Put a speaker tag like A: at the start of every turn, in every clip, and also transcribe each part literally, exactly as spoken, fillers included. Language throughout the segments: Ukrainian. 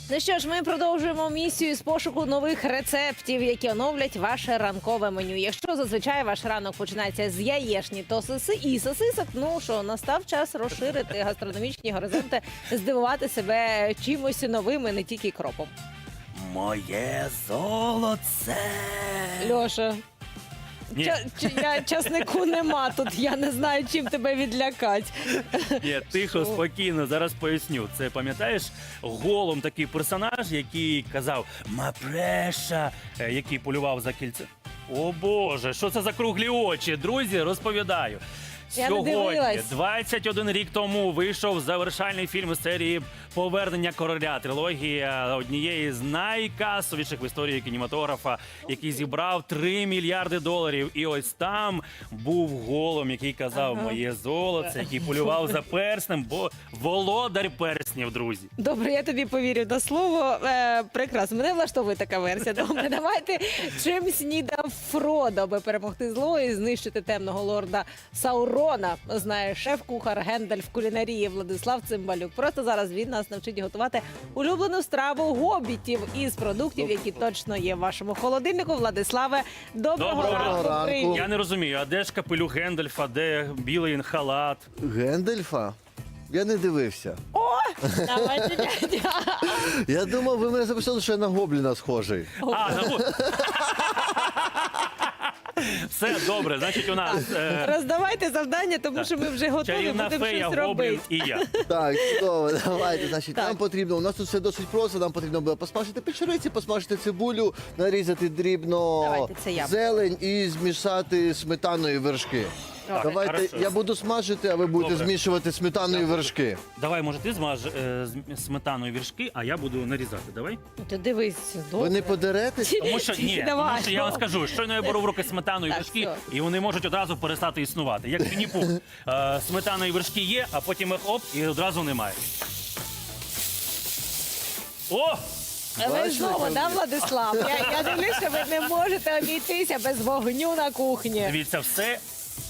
A: Ну що ж, ми продовжуємо місію з пошуку нових рецептів, які оновлять ваше ранкове меню. Якщо зазвичай ваш ранок починається з яєшні, то соси і сосисок, ну що, настав час розширити гастрономічні горизонти, здивувати себе чимось новим і не тільки кропом.
B: Моє золоце.
A: Льоша,
B: Ні.
A: ча- ч- я, часнику нема тут, я не знаю, чим тебе відлякати.
B: Ні, тихо,
A: Що?
B: спокійно, зараз поясню. Це, пам'ятаєш, голом такий персонаж, який казав «Мапреша», е, який полював за кільце. О Боже, що це за круглі очі? Друзі, розповідаю.
A: Я не
B: Сьогодні,
A: дивилась.
B: двадцять один рік тому, вийшов завершальний фільм із серії «Повернення короля». Трилогія однієї з найкасовіших в історії кінематографа, який зібрав три мільярди доларів. І ось там був голом, який казав
A: Ага.
B: «Моє золоце», який полював за перснем, бо володар перснів, друзі.
A: Добре, я тобі повірю на слово. Е, прекрасно, мене влаштовує така версія. Добре, давайте чим снідав Фродо, аби перемогти зло і знищити темного лорда Саурона. Знає шеф-кухар Гендальф кулінарії Владислав Цимбалюк. Просто зараз він нас навчить готувати улюблену страву гобітів із продуктів, які точно є в вашому холодильнику. Владиславе, доброго,
B: Доброго
A: ранку.
C: ранку.
A: Привіт.
B: Я не розумію, а де ж капелюх Гендальфа, де білий халат?
C: Гендельфа? Я не дивився.
A: О, давайте, дядя.
C: Я думав, ви мене записали, що я на гобліна схожий.
B: А, ну, все добре, значить у нас е,
A: Роздавайте завдання, тому що ми вже готові,
B: чарівна
A: будемо
B: фея,
A: щось робити.
B: гоблін і я.
C: Так, чудово, давайте. Значить,
A: Так.
C: нам потрібно, у нас тут все досить просто, нам потрібно буде посмажити печериці, посмажити цибулю, нарізати дрібно
A: Давайте, це я.
C: зелень і змішати сметаною і вершки.
A: Так,
C: Давайте,
B: хорошо.
C: я буду смажити, а ви будете
B: Добре.
C: змішувати сметаною і вершки.
B: Давай, може, ти змаж е, з сметаною віршки, а я буду нарізати. Давай.
A: Ти дивись, добре.
C: Ви не подеретесь?
B: Тому що ні,
A: Давай.
B: тому що я вам скажу, щойно я беру в руки сметану і
A: Так,
B: вершки,
A: все.
B: і вони можуть одразу перестати існувати. Як Вінні-Пух. Е, сметана і вершки є, а потім їх оп, і одразу немає. О!
A: Ви
C: Бачите,
A: знову,
C: як
A: да,
C: ви?
A: Владислав? Я, я дивлюсь, що ви не можете обійтися без вогню на кухні.
B: Дивіться, все,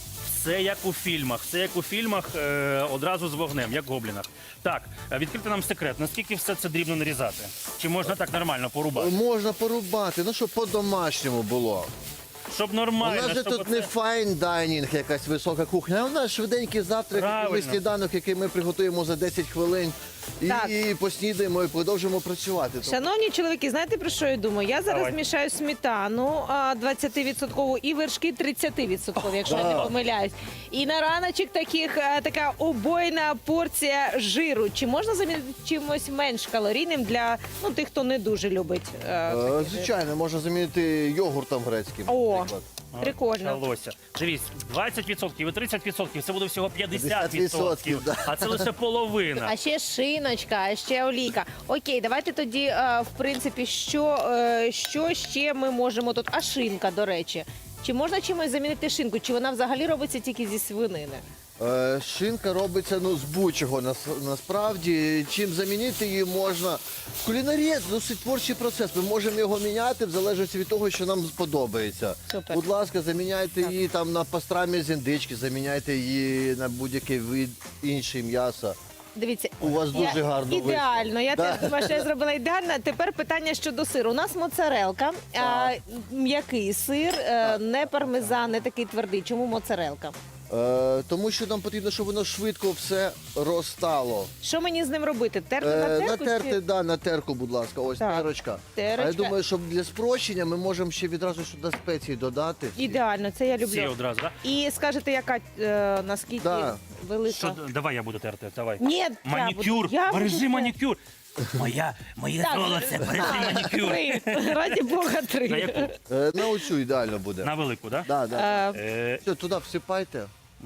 B: все як у фільмах. Все як у фільмах, е, одразу з вогнем, як в гоблінах. Так, е, відкрити нам секрет. Наскільки все це дрібно нарізати? Чи можна так нормально порубати?
C: Можна порубати, ну щоб по-домашньому було.
B: Щоб
C: У
B: нормально,
C: нас же
B: щоб
C: тут не
B: оце-
C: файн дайнінг, якась висока кухня, а у нас швиденький завтрак,
B: Правильно.
C: і сніданок, який ми приготуємо за десять хвилин. І,
A: Так.
C: і поснідаємо, і продовжимо працювати. Тобто,
A: Шановні чоловіки, знаєте, про що я думаю? Я зараз
B: Давай.
A: мішаю сметану а, двадцять відсотків і вершки тридцять відсотків, якщо я не
C: Да.
A: помиляюсь. І на раночок таких, а, така убойна порція жиру. Чи можна замінити чимось менш калорійним для ну, тих, хто не дуже любить? а,
C: е,
A: такий жир?
C: звичайно, можна замінити йогуртом грецьким.
A: О.
C: наприклад.
B: А,
A: Прикольно.
B: почалося. Дивись, двадцять відсотків і тридцять відсотків, це буде всього п'ятдесят
C: п'ятдесят
B: відсотків.
C: відсотків, да.
B: А це лише половина.
A: А ще шиночка, а ще олійка. Окей, давайте тоді, е, в принципі, що, е, що ще ми можемо тут? А шинка, до речі. Чи можна чимось замінити шинку? Чи вона взагалі робиться тільки зі свинини?
C: Е, Шинка робиться ну, з будь-чого нас, насправді. Чим замінити її можна. Кулінарія це досить творчий процес. Ми можемо його міняти в залежності від того, що нам сподобається.
A: Супер.
C: Будь ласка, заміняйте
A: Так.
C: її там на пастрамі з індички, заміняйте її на будь-який вид інший м'яса.
A: Дивіться,
C: У вас
A: я-
C: дуже гарно вийшло.
A: ідеально. Я
C: Да.
A: теж думаю, що я зробила ідеально. Тепер питання щодо сиру. У нас моцарелка, а, м'який сир, е, не пармезан, не такий твердий. Чому моцарелка?
C: Е, тому що нам потрібно, щоб воно швидко все розтало.
A: Що мені з ним робити? Терти на
C: Е,
A: терку?
C: натерти,
A: чи-
C: да, на терку, будь ласка, ось
A: Так.
C: терочка.
A: Терочка.
C: А я думаю, що для спрощення ми можемо ще відразу сюди спеції додати.
A: Ідеально, це я
B: Всі
A: люблю.
B: одразу, так?
A: І скажете, яка е, наскільки
C: Да.
A: велика?
B: Що, давай я буду терти, давай.
A: Ні, я
B: Манікюр,
A: буду- я буду
B: бережи
A: терти.
B: манікюр. Моя, моє
A: Так.
B: золоце, бережи манікюр.
A: Три. Раді Бога,
B: На
A: три.
B: яку?
C: Е, на оцю ідеально буде.
B: На велику, так?
C: Да, да.
A: Е,
B: Е,
C: Все, туди всипайте.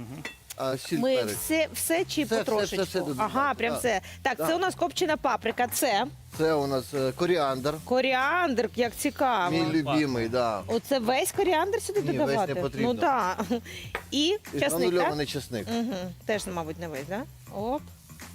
C: А сіль
A: Ми
C: перець.
A: все, все чи
C: Все,
A: потрошечку?
C: все, все, все
A: Ага,
C: додаємо,
A: прям
C: да.
A: все. Так,
C: Да.
A: це у нас копчена паприка, це
C: Це у нас е, коріандр.
A: коріандр, як цікаво.
C: Мій любимий, да.
A: Оце весь коріандр сюди
C: Ні, весь
A: додавати?
C: не потрібно.
A: Ну так. І
C: І
A: часник, так?
C: гранульований чесник.
A: Угу. Теж, мабуть, не весь, так? Да? Оп.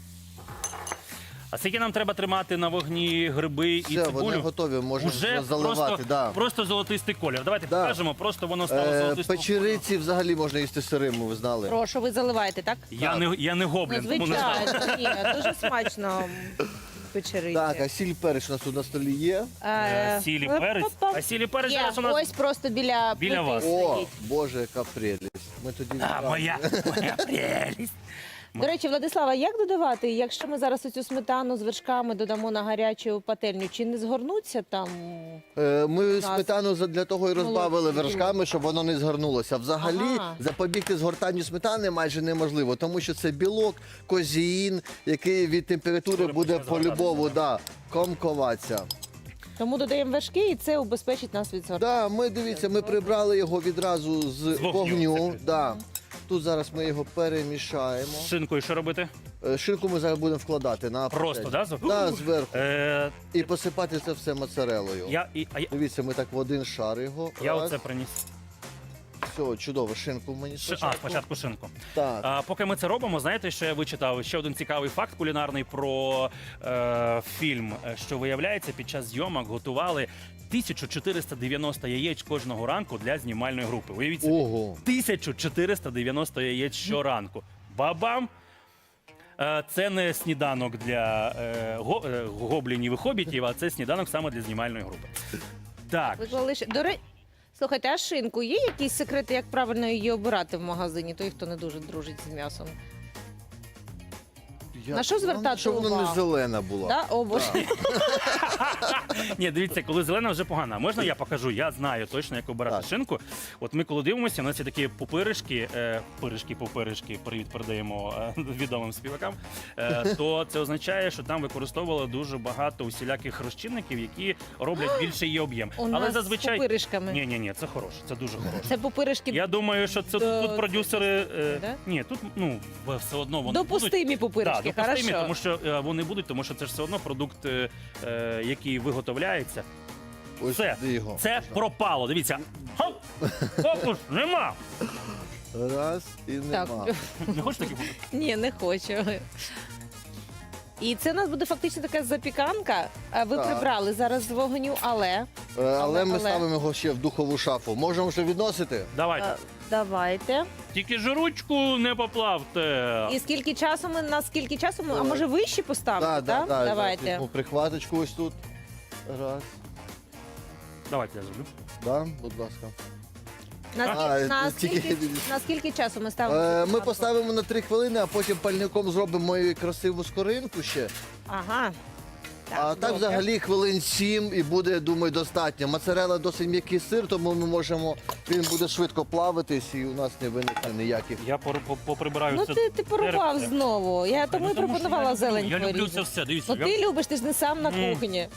B: а скільки нам треба тримати на вогні гриби і
C: Все, вони
B: цибулю?
C: готові, можемо
B: Уже
C: заливати.
B: просто,
C: Да.
B: просто золотистий колір. Давайте
C: Да.
B: покажемо, просто воно стало
C: Е,
B: золотистим.
C: печериці взагалі можна їсти сирими, ви знали.
A: Прошу, ви заливаєте, так?
B: Я
C: Так.
B: не, я не
A: Ну,
B: гоблін, тому не знаю.
A: звичайно, ні, дуже смачно. печериці.
C: Так, а сіль перець у нас тут на столі є.
B: Е, Сілі
A: е,
B: перець.
A: па-па.
B: А сілі перець
A: Є,
B: зараз у нас.
A: ось просто біля,
B: Біля
A: плити
B: вас.
C: О,
A: стоїть.
C: Боже, яка прелість. Ми тоді
B: А,
C: відразу-
B: моя, моя прелість.
A: До речі, Владислава, як додавати, якщо ми зараз оцю сметану з вершками додамо на гарячу пательню, чи не згорнуться там?
C: Е, Ми
A: нас
C: сметану за- для того і розбавили
A: молодці.
C: вершками, щоб воно не згорнулося. Взагалі
A: Ага.
C: запобігти згортанню сметани майже неможливо, тому що це білок, козеїн, який від температури
B: Скоро
C: буде
B: почне
C: по-любому да, комковатися.
A: Тому додаємо вершки і це убезпечить нас від згортання.
C: Да, ми дивіться, ми прибрали його відразу з,
B: З вогню,
C: вогню.
B: це
C: Да. Тут зараз ми його перемішаємо.
B: З шинкою що робити?
C: Е, Шинку ми зараз будемо вкладати на
B: Просто,
C: пательню.
B: да? зверху?
C: Да, зверху.
B: Е,
C: І посипати це все моцарелою.
B: я, і, а я,
C: Дивіться, ми так в один шар його.
B: я
C: Раз.
B: оце приніс.
C: Все, чудово, шинку мені
B: Ши-
C: спочатку.
B: А, спочатку шинку.
C: Так.
B: А, поки ми це робимо, знаєте, що я вичитав ще один цікавий факт кулінарний про е, фільм, е, що виявляється, під час зйомок готували тисячу чотириста дев'яносто яєць кожного ранку для знімальної групи. Уявіть собі,
C: Ого.
B: тисячу чотириста дев'яносто яєць щоранку. Бабам! Е, Це не сніданок для е, го- е, гоблінів і хобітів, а це сніданок саме для знімальної групи. Так,
A: Виклали ще- До речі, слухайте, а шинку є якісь секрети, як правильно її обирати в магазині, той, хто не дуже дружить з м'ясом?
C: Я-
A: На що звертати
C: Щоб вона не
A: увагу?
C: зелена була.
A: Да? О, Боже.
B: ні, дивіться, коли зелена вже погана. А можна я покажу? Я знаю точно, як обирати
C: Так.
B: шинку. От ми коли дивимося, у нас є такі пупиришки, е, пиришки, пупиришки, привіт передаємо е, відомим співакам. Е, то це означає, що там використовували дуже багато усіляких розчинників, які роблять більший її об'єм.
A: У
B: Але
A: нас
B: зазвичай
A: з пупиришками.
B: ні, ні, ні, це хороше, це дуже хороше.
A: Це пупиришки
B: Я думаю, що це
A: До-
B: тут продюсери. Е,
A: Да?
B: ні, тут ну все одно вони будуть.
A: допустимі пупиришки,
B: Так, допустимі,
A: хорошо.
B: тому що е, вони будуть, тому що це ж все одно продукт, е, е, який виготовляється.
C: Ось
B: Все,
C: сюди його.
B: це пропало. Дивіться. Хоп! Фокус, нема.
C: Раз і
A: Так.
C: нема.
B: Не хочеш такі фокуси?
A: Ні, не хочу. І це у нас буде фактично така запіканка. А ви
C: Так.
A: прибрали зараз з вогню, але
C: Е, Але ми
A: але-
C: ставимо його ще в духову шафу. Можемо вже відносити?
B: Давайте.
A: е, давайте.
B: Тільки ж ручку не поплавте.
A: І скільки часу ми на скільки часу ми, а
C: Давай.
A: може вище поставити?
C: Да, да,
A: так?
C: да,
A: Давайте.
C: візьму прихваточку ось тут. Раз.
B: Давайте я зроблю.
C: Да, будь ласка.
A: На,
C: А,
A: скільки, на,
C: тільки-
A: скільки, на скільки часу ми ставимо?
C: Е,
A: цю
C: Ми
A: масу?
C: поставимо на три хвилини, а потім пальником зробимо мою красиву скоринку ще.
A: Ага.
C: А так
A: добре.
C: взагалі хвилин сім і буде, думаю, достатньо. Моцарелла досить м'який сир, тому ми можемо, він буде швидко плавитись і у нас не виникне ніяких.
B: Я пор- по- поприбираю
A: Ну
B: це.
A: ти, ти порубав
B: деревце.
A: знову. Я тому
B: Ну,
A: і
B: тому що
A: пропонувала
B: я люблю-
A: зелень
B: Я люблю це
A: порізати.
B: все. Дивіться,
A: Ну
B: я
A: ти любиш, ти ж не сам на
B: Мм.
A: кухні.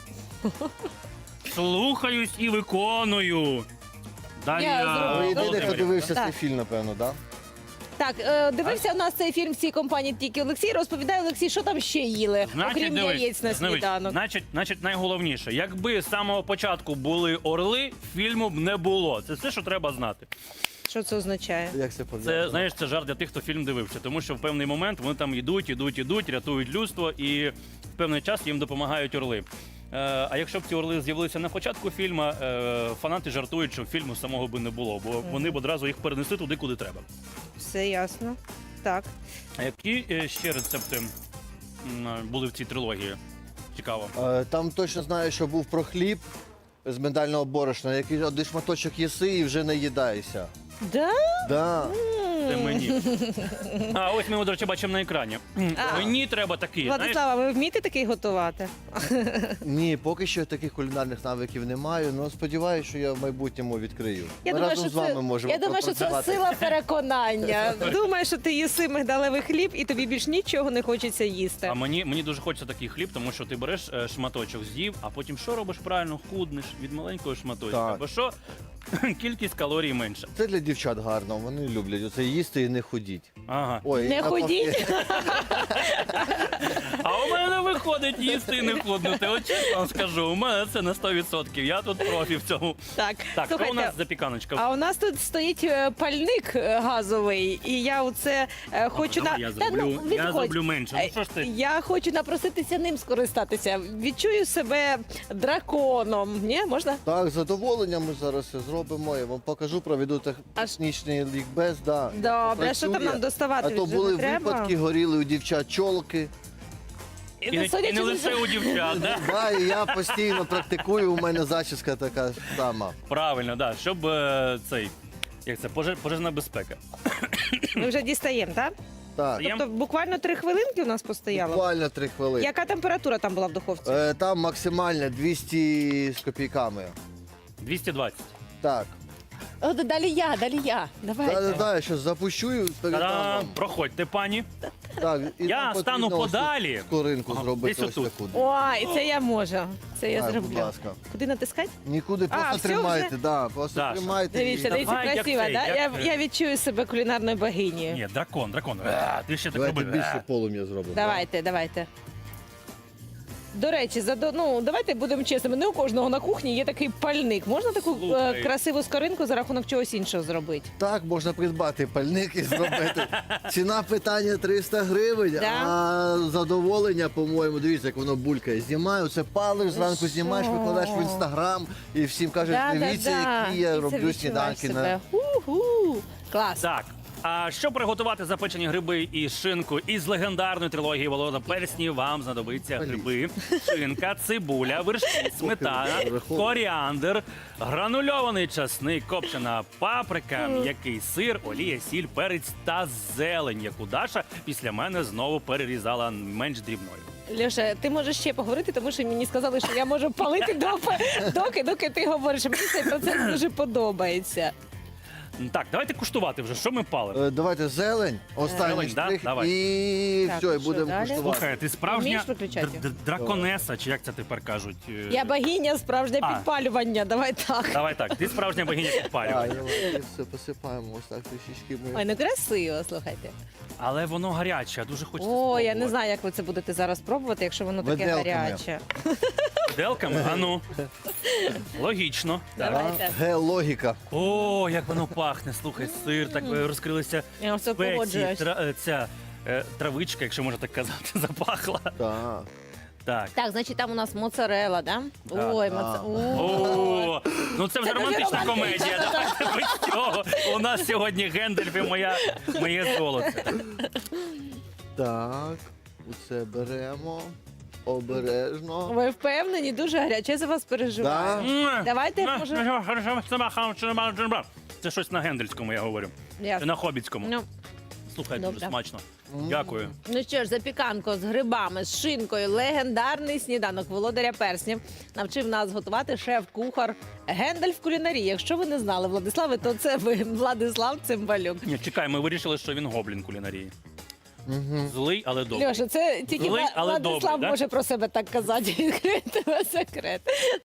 B: слухаюсь і виконую. Далі
A: Я
B: я
A: зроблю.
C: Ви єдиний, хто
B: Володимирівна.
C: дивився
A: Так.
C: цей фільм, напевно, так?
A: Так, е, дивився у нас цей фільм в цій компанії тільки Олексій. Розповідає Олексій, що там ще їли, окрім
B: дивись,
A: яєць на
B: дивись,
A: сніданок.
B: Значить, значить, найголовніше, якби з самого початку були орли, фільму б не було. Це все, що треба знати.
A: Що це означає?
C: Як це пов'язано?
B: Це знаєш, це жарт для тих, хто фільм дивився, тому що в певний момент вони там йдуть, ідуть, ідуть, рятують людство, і в певний час їм допомагають орли. Е, а якщо б ці орли з'явилися на початку фільму, е, фанати жартують, що фільму самого би не було, бо вони б одразу їх перенесли туди, куди треба.
A: Все ясно. Так.
B: А які е, ще рецепти м, були в цій трилогії? Цікаво.
C: Е, Там точно знаю, що був про хліб з миндального борошна, який один шматочок їси і вже не їдаєшся.
A: Да?
C: Да.
B: Це мені. А ось ми, до речі, бачимо на екрані.
A: А.
B: Мені треба такий. знаєш,
A: Владислава, ви вмієте такий готувати?
C: Ні, поки що таких кулінарних навиків не маю, але сподіваюся, що я в майбутньому відкрию.
A: Я
C: Ми
A: думаю,
C: разом
A: що
C: з вами
A: це,
C: можемо
A: я думаю, що це
C: попрацювати.
A: сила переконання. Думаю, що ти їси мигдалевий хліб і тобі більш нічого не хочеться їсти.
B: А мені, мені дуже хочеться такий хліб, тому що ти береш е, шматочок, з'їв, а потім що робиш правильно? Худнеш від маленького шматочка.
C: Так.
B: Бо що кількість калорій менша.
C: Це для дівчат гарно, вони люблять оце їсти і не ходіть.
B: Ага.
C: Ой,
A: Не
C: навпаки.
A: ходіть.
B: А у мене виходить їсти і не худнути. От чесно вам скажу, у мене це на сто відсотків. Я тут профі в цьому.
A: Так,
B: Так, що у
A: слухайте,
B: нас запіканочка?
A: а у нас тут стоїть е, пальник е, газовий, і я оце е, хочу
B: давай
A: на
B: я
A: Та,
B: зроблю-
A: ну,
B: я
A: відходь.
B: зроблю менше. Ну, що ж ти?
A: Е, Я хочу напроситися ним скористатися. Відчую себе драконом. Ні, можна?
C: Так, з задоволенням ми зараз це зробимо. Я вам покажу, проведу технічний лікбез. Да,
A: Добре, а що там
C: працює.
A: нам доставати?
C: А то
A: Вже
C: були
A: не треба?
C: випадки, горіли у дівчат чолки.
B: І не, і не лише у дівчат, да?
C: Да, і я постійно практикую, у мене зачіска така сама.
B: Правильно, да. Щоб е, цей, як це, пожеж, пожежна безпека.
A: Ми вже дістаємо, так?
C: Так,
B: Єм?
A: Тобто буквально три хвилинки у нас постояло.
C: буквально три хвилини.
A: Яка температура там була в духовці?
C: Е, Там максимально двісті з копійками.
B: двісті двадцять.
C: Так.
A: О, далі я, далі я. Давайте.
C: Да, да, да, я щось запущу і передам
B: Та-дам!
C: вам.
B: Проходьте, пані.
C: Так, і
B: Я
C: нам
B: стану
C: потрібно ось
B: подалі.
C: тут Скоринку
B: Ага,
C: зробити
B: десь
C: ось
B: отут.
C: таку.
A: Ой, це я можу. Це я
C: Так,
A: зроблю.
C: будь ласка.
A: Куди натискати?
C: Нікуди,
A: А,
C: просто
A: все
C: тримайте,
A: вже?
C: да, просто
B: Даша,
C: тримайте.
A: Дивіться,
C: і...
A: дивіться,
B: Давай, як
A: красиво,
B: цей,
A: да?
B: як,
A: Я,
B: е,
A: я відчую себе кулінарною богинею.
B: Ні, дракон, дракон. Е, Ти ще так
C: Давайте
B: робив.
C: більше
B: Е.
C: полум'я зробимо.
A: Давайте, давайте. До речі, за, до- ну, давайте будемо чесними. Не у кожного на кухні є такий пальник. Можна таку
B: Слухай.
A: е, красиву скоринку за рахунок чогось іншого зробити?
C: Так, можна придбати пальник і зробити. Ціна питання триста гривень,
A: Да.
C: а задоволення, по-моєму, дивіться, як воно булькає. Знімаю, це палиш, зранку знімаєш,
A: що?
C: викладаєш в інстаграм і всім кажеш, дивіться, які я
A: І це
C: роблю
A: відчуваєш
C: сніданки.
A: себе.
C: На...
A: Ху-ху. Клас.
B: Так. А щоб приготувати запечені гриби і шинку із легендарної трилогії Волода Перснів, вам знадобиться гриби, шинка, цибуля, вершки, сметана, коріандр, гранульований часник, копчена паприка, м'який сир, олія, сіль, перець та зелень, яку Даша після мене знову перерізала менш дрібною.
A: Льоша, ти можеш ще поговорити, тому що мені сказали, що я можу палити доки, доки, доки ти говориш. Мені цей процес дуже подобається.
B: Так, давайте куштувати вже, що ми палимо.
C: Е, Давайте зелень, останній
B: Зелень, да?
C: штрих,
B: Давай.
C: і
A: Так,
C: все,
A: і
C: і
A: що
C: будемо
A: далі?
C: куштувати.
B: Слухай, ти справжня
A: Вмієш виключати?
B: д- д- драконеса, чи як це тепер кажуть? Е,
A: Я богиня, справжнє
B: А.
A: підпалювання. Давай так.
B: Давай так, ти справжня богиня
C: А,
B: підпалювання.
C: і все посипаємо ось так трішечки.
A: Ой,
C: Ми...
A: ну красиво, слухайте.
B: Але воно гаряче, а дуже хочеться
A: О, я
B: спробувати.
A: не знаю, як ви це будете зараз пробувати, якщо воно таке
C: Виделками.
A: гаряче.
B: Виделками? А ну. Логічно. Так.
A: Давайте.
C: Ге-логіка.
B: О, як воно пахне. Слухай, сир, так е, розкрилися
A: Я все
B: спеції,
A: погоджуюсь.
B: тра, е, ця е, травичка, якщо можна так казати, запахла.
C: Так.
B: Так.
A: Так, значить там у нас моцарела, да?
B: Да,
A: Ой,
C: да.
A: моцарела.
B: О, ну це вже
A: Це дуже
B: романтична
A: романтично,
B: комедія. Давайте без цього. У нас сьогодні Гендальф і моя, моє золото.
C: Так, оце беремо. Обережно.
A: Ви впевнені, дуже гаряче, я за вас переживаю.
C: Да.
A: Давайте, може-
B: Це щось на гендельському, я говорю.
A: Ясно.
B: На хобітському.
A: Ну,
B: Слухай, дуже
A: Добре.
B: смачно. Дякую.
A: Ну що ж, запіканко з грибами, з шинкою, легендарний сніданок володаря перснів навчив нас готувати шеф-кухар Гендальф кулінарії. Якщо ви не знали, Владиславе, то це ви, Владислав Цимбалюк.
B: Ні, чекай, ми вирішили, що він гоблін кулінарії. Злий, але добрий.
A: Льоша, це тільки
B: Злий,
A: Вла-
B: але
A: Владислав
B: добрий, да?
A: може про себе так казати. Відкрити секрет.